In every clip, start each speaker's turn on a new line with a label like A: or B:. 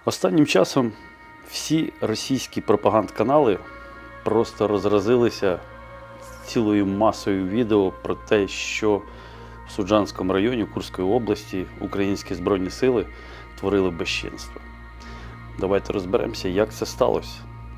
A: Останнім часом всі російські пропагандканали просто розразилися цілою масою відео про те, що в Суджанському районі Курської області українські Збройні Сили творили безчинство. Давайте розберемося, як це сталося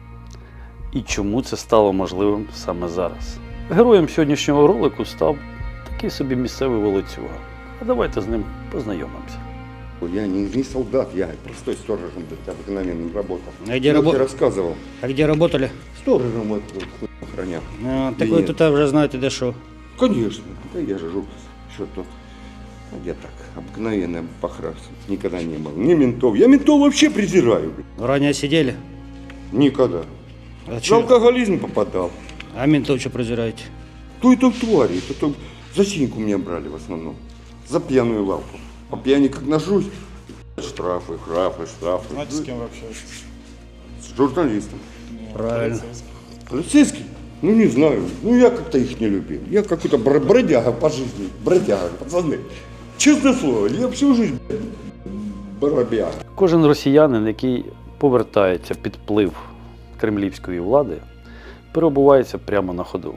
A: і чому це стало можливим саме зараз. Героєм сьогоднішнього ролику став такий собі місцевий волоцюга. А давайте з ним познайомимося.
B: Я не солдат, я простой сторожем обыкновенным работал.
C: А где работал?
B: Рассказывал.
C: А где работали?
B: Сторожем вот хуй охранял.
C: Так вы тут уже знаете, да что?
B: Конечно. Да я же что-то. Я так, обыкновенный похрас. Никогда не был. Ни ментов. Я ментов вообще презираю.
C: Ранее сидели?
B: Никогда.
C: А,
B: В алкоголизм попадал.
C: а ментов что презираете?
B: То это твари. Это за синьку меня брали в основном. За пьяную лавку. По пьяни как нажусь. Штрафы.
D: Знаете, с кем вы общаетесь?
B: С журналистом.
C: Правильно.
B: Полицейский? Ну не знаю. Ну я как-то их не любил. Я какой-то бродяга по жизни. Бродяга, пацаны. Честное слово, я всю жизнь бродяга.
A: Кожен росіянин, який повертається під вплив кремлівської влади, перебувається прямо на ходу.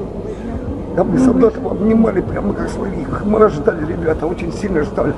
E: Да мы солдатов обнимали прямо как своих. Мы ждали, ребята, очень сильно ждали.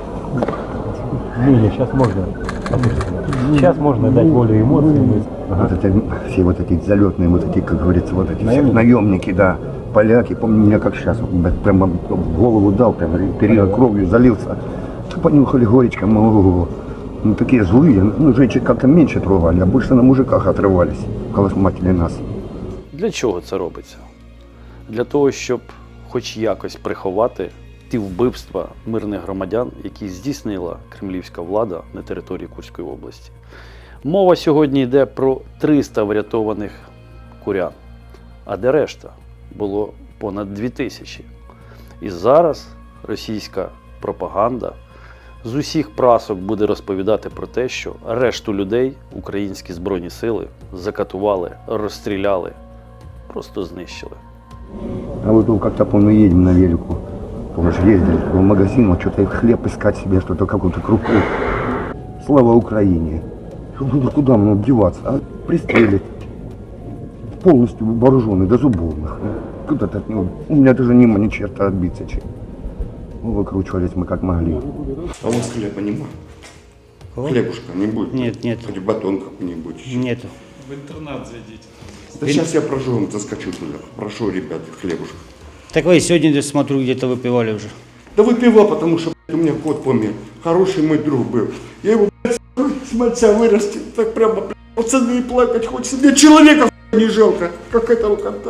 F: Не, сейчас можно. Сейчас можно дать волю эмоциям.
E: Вот это, все вот эти залетные, вот эти, как говорится, вот эти все наемники, да, поляки, помню меня как сейчас, прямо в голову дал, прям перья кровью залился. Понюхали горечко, ну такие злые, ну женщин как-то меньше трогали, а больше на мужиках отрывались, колосматили нас.
A: Для чого це робиться? Для того, щоб хоч якось приховати ті вбивства мирних громадян, які здійснила кремлівська влада на території Курської області. Мова сьогодні йде про 300 врятованих курян, а де решта? Було понад 2000. І зараз російська пропаганда з усіх прасок буде розповідати про те, що решту людей українські Збройні Сили закатували, розстріляли, просто знищили.
E: А вот как-то, помню, едем на велику, помнишь, ездили в магазин, вот что-то хлеб искать себе, что-то какую-то крупу. Слава Украине. Ну, куда мне деваться? А пристрелить. Полностью вооруженный до зубов. Куда-то от него. У меня даже нема ни черта отбиться. Ну, выкручивались мы как могли.
B: А у вас хлеба нема?
C: Кого?
B: Хлебушка не будет?
C: Нет.
B: Хоть батон какой-нибудь.
C: Нету.
D: В интернат зайдите.
B: Да сейчас я прожжен, заскочу туда. Прошу, ребят, хлебушка.
C: Так вы сегодня, смотрю, где-то выпивали уже.
B: Да выпивал, потому что у меня кот помер. Хороший мой друг был. Я его, с мальца вырастил. Так прямо, пацаны, плакать хочется. Мне человека не жалко, как этого кота.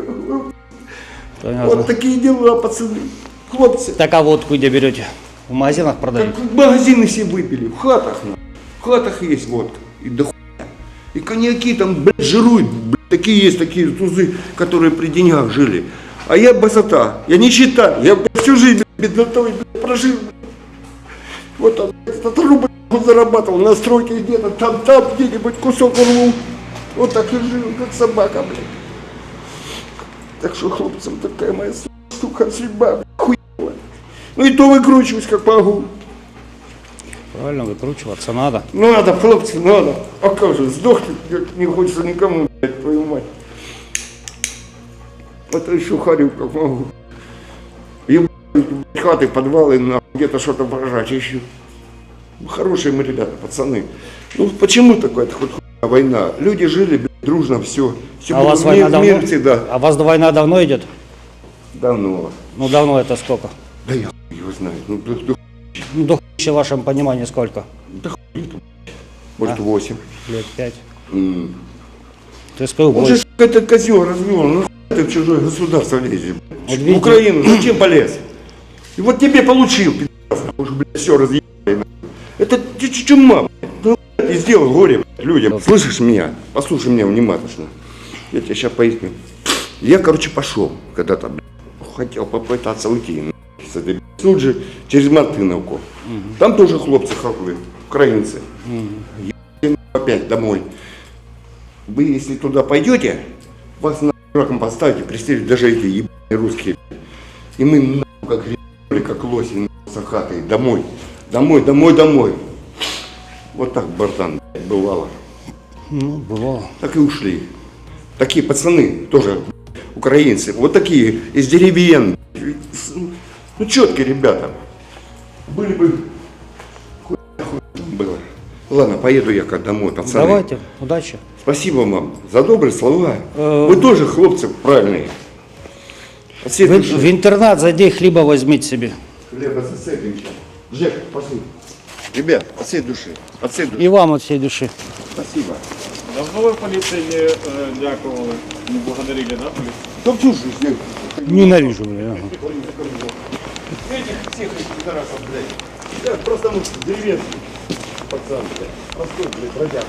C: Понятно.
B: Вот такие дела, пацаны. Хлопцы.
C: Так а водку где берете? В магазинах продают?
B: Как магазины все выпили, в хатах. В хатах есть водка. И до хуя. И коньяки там, блядь, жируют. Блядь, такие есть, такие тузы, которые при деньгах жили. А я басота, я не считаю. Я блядь, всю жизнь беднотой прожил. Вот там, этот рубль зарабатывал на стройке где-то, там где-нибудь кусок рву. Вот так и жил, как собака, блядь. Так что хлопцам такая моя сука судьба, блядь, хуевая. Ну и то выкручиваюсь как могу.
C: Правильно, выкручиваться надо.
B: Надо, хлопцы, надо. А как же, сдохнуть не хочется никому, блядь, твою мать. Это еще харю как могу. Ебать, хаты, подвалы, нахуй, где-то что-то прожать ищу. Хорошие мы ребята, пацаны. Ну почему такая-то хоть хуйня война? Люди жили, блядь, дружно, все.
C: А у вас война давно?
B: Мир всегда.
C: А у вас война давно идет?
B: Давно.
C: Ну давно это сколько?
B: Да я хуй его знаю. Ну,
C: Ну до хуя в вашем понимании сколько?
B: может 8.
C: Лет 5. То есть
B: Он же этот козел развел, ну хуй ты в чужое государство лезешь.
C: Вот
B: В
C: видите?
B: Украину зачем полез? И вот тебе получил, пи***ц, уже, блядь, все разъебали. Это чума, блядь. Ну, ты сделал горе, блядь, людям. Слышишь меня? Послушай меня внимательно. Я тебе сейчас поясню. Я, короче, пошел когда-то, блядь, хотел попытаться уйти, с этой, блядь, тут же через Мартыновку. Там тоже хлопцы хохлы, украинцы. Я опять домой. Вы, если туда пойдете, вас на раком поставите, пристрелят даже эти ебаные русские. И мы нахуй как гребли, как лоси, с хаты, домой. Домой. Вот так, братан. бывало.
C: Ну, бывало.
B: Так и ушли. Такие пацаны, тоже украинцы, вот такие, из деревень. Ну, четкие ребята. Были бы... Хуй там было. Ладно, поеду я как домой, пацаны.
C: Давайте, удачи.
B: Спасибо вам за добрые слова.
C: Э,
B: Вы тоже, хлопцы, правильные. От всей
C: В
B: души.
C: интернат зайди, хлеба возьмите себе.
B: Хлеба зацепимся. Жек, пошли. Ребят, от всей души. От всей души.
C: И вам от всей души.
B: Спасибо.
D: Давно вы полиции не дякували, не благодарили, да, полицию?
B: Да всю жизнь.
C: Ненавижу, бля. Ага.
B: Этих всех этих пидорасов, блядь. Я просто деревенский пацан, блядь. Простой, блядь, бродяг.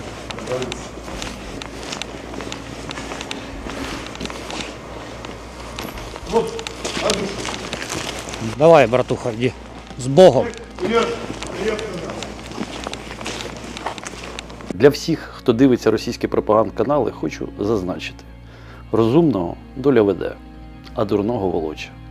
B: Вот, от души.
C: Давай, братуха, иди. С Богом.
B: Привет, привет.
A: Для всіх, хто дивиться російські пропагандканали, хочу зазначити: розумного доля веде, а дурного волоче.